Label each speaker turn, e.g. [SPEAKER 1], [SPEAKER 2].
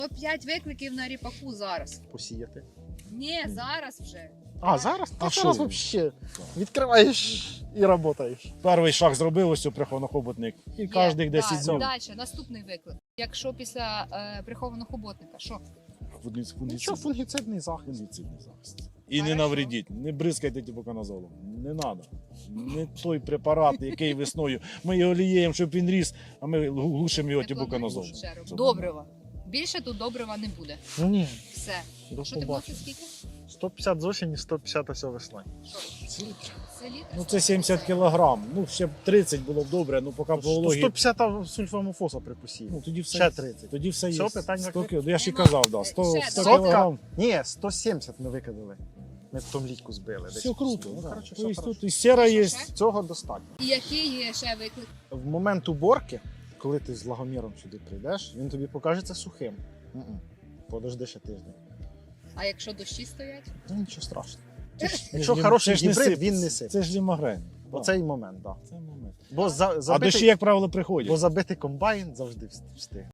[SPEAKER 1] 5 викликів на ріпаку зараз.
[SPEAKER 2] Посіяти.
[SPEAKER 1] Ні, зараз вже.
[SPEAKER 2] А, зараз?
[SPEAKER 3] А
[SPEAKER 2] А
[SPEAKER 3] що
[SPEAKER 2] зараз
[SPEAKER 3] він?
[SPEAKER 2] взагалі відкриваєш і працюєш.
[SPEAKER 3] Перший шаг зробив ось цю приховано-хоботник. І кожних 10 днів.
[SPEAKER 1] Далі, наступний виклик. Якщо після прихованого хоботника, що?
[SPEAKER 2] Нічого, фунгіцидний захист.
[SPEAKER 3] Фунгіцидний захист. І не
[SPEAKER 1] Хорошо.
[SPEAKER 3] навредіть, не бризкайте тибуканазолом. Не треба. Не той препарат, який весною. Ми його лієємо, щоб він ріс, а ми глушимо його
[SPEAKER 1] Не
[SPEAKER 3] тибуканазолом.
[SPEAKER 1] плануєш ще робити? Добрива. Більше тут добрива не буде.
[SPEAKER 2] Ну ні,
[SPEAKER 1] Все.
[SPEAKER 2] до
[SPEAKER 1] Що ти
[SPEAKER 2] побачення.
[SPEAKER 1] вносиш скільки?
[SPEAKER 2] 150 з осені, 150 ось весною.
[SPEAKER 1] Це літр?
[SPEAKER 3] Ну це 70 кілограм. Ну ще б 30 було б добре, ну поки по вологі.
[SPEAKER 2] 150 сульфамофоса при посіві.
[SPEAKER 3] Ну тоді все.
[SPEAKER 2] Ще 30.
[SPEAKER 3] Тоді все
[SPEAKER 2] Все,
[SPEAKER 3] є.
[SPEAKER 2] питання
[SPEAKER 3] 100
[SPEAKER 2] закрите.
[SPEAKER 3] Я ж і
[SPEAKER 1] Нема.
[SPEAKER 3] казав, да. 100
[SPEAKER 1] Ще
[SPEAKER 3] 100
[SPEAKER 1] сотка?
[SPEAKER 3] кілограм.
[SPEAKER 2] Ні, 170 ми викидали. Ми в тому літку збили. десь.
[SPEAKER 3] Все круто.
[SPEAKER 2] Ну,
[SPEAKER 3] Да.
[SPEAKER 2] коротше,
[SPEAKER 3] Тобто
[SPEAKER 2] все
[SPEAKER 3] тут і сера є.
[SPEAKER 1] Ще?
[SPEAKER 2] Цього достатньо.
[SPEAKER 1] І який є ще виклик?
[SPEAKER 2] В момент уборки, коли ти з лагоміром сюди прийдеш, він тобі покажеться сухим. Подожди ще тиждень.
[SPEAKER 1] А якщо дощі стоять?
[SPEAKER 2] Ну нічого страшного.
[SPEAKER 3] Це ж
[SPEAKER 2] Якщо
[SPEAKER 3] не-
[SPEAKER 2] хороший
[SPEAKER 3] це ж не
[SPEAKER 2] гібрид,
[SPEAKER 3] сипеться.
[SPEAKER 2] він не сипе.
[SPEAKER 3] Це ж лімагрен.
[SPEAKER 2] Оцей момент, так.
[SPEAKER 3] Це момент.
[SPEAKER 2] Бо
[SPEAKER 3] А
[SPEAKER 2] забитий,
[SPEAKER 3] дощі, як правило, приходять.
[SPEAKER 2] бо забитий комбайн завжди встиг.